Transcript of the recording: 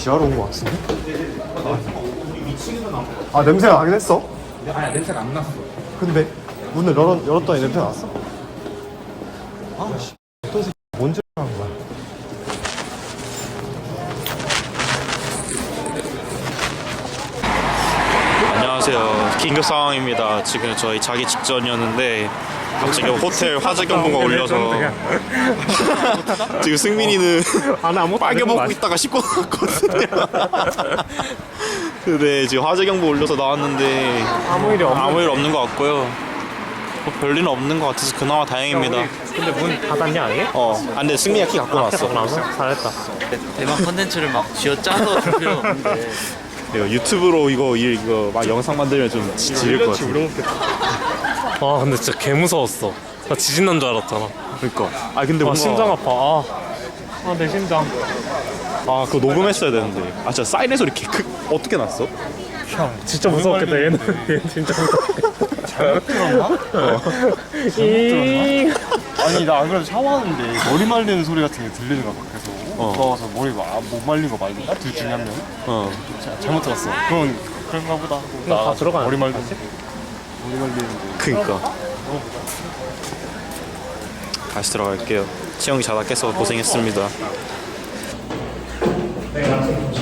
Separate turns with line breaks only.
지하로 온 거 같은데? 아 냄새가 나긴 했어?
아니 냄새가 안 났어.
근데 문을 열었더니 냄새 났어? 아씨 어떤 새끼 뭔 짓을 한 거야?
안녕하세요. 긴급 상황입니다. 지금 저희 자기 직전이었는데 갑자기 호텔 화재 경보가 울려서 지금 승민이는 빨개 먹고 있다가 씹고 나왔거든요. 근데 지금 화재 경보 울려서 나왔는데 아무 일 없는 것 같고요. 뭐 별일은 없는 것 같아서 그나마 다행입니다.
근데 문 닫았냐 아예?
근데 승민이가 키 갖고 나왔어.
잘했다.
대만 컨텐츠를 막 쥐어짜서 줄 필요는 없는데
이거 유튜브로 이거 막 영상 만들면 좀 지릴 것 같아.
와 근데 진짜 개 무서웠어. 나 지진 난 줄 알았잖아.
그러니까. 근데 뭔가
심장 아파. 내 심장.
그거 녹음했어야 되는데. 진짜 사이렌 소리 어떻게 났어?
진짜 무서웠겠다. 얘는 진짜 무서웠겠다.
잘못 들었나? 아니 나 안 그래도 샤워하는데 머리 말리는 소리 같은 게 들리는 거야 밖에서. 무서워서 머리 못 말린 거 말린다? 둘 중에 한 명. 잘못 들었어. 그런가 보다.
다 들어가야
머리 말리는데.
그니까. 다시 들어갈게요. 치영이 자다 깨서 고생했습니다.